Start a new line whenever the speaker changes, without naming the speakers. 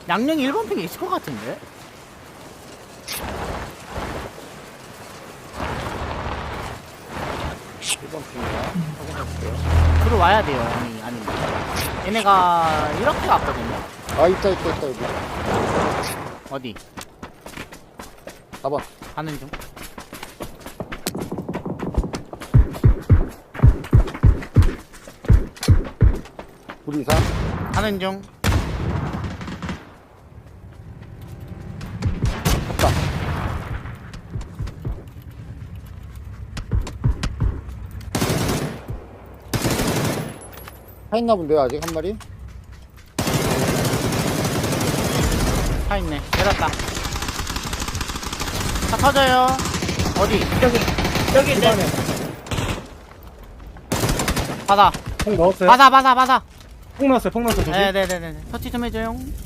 양령이 1번 픽에 있을 것 같은데? 들어와야 돼요, 형이. 아니면. 얘네가 이렇게 갔거든요?
아, 있다, 여기.
어디?
4번.
가는 중.
우리 이상.
가는 중.
갔다. 차 있나 본데요, 아직 한 마리?
차 있네. 내렸다. 차 터져요. 어디?
여기 내
집안에.
받아.
폭 넣었어요?
받아.
폭 넣었어요 조심.
네네네네. 터치 좀 해줘요.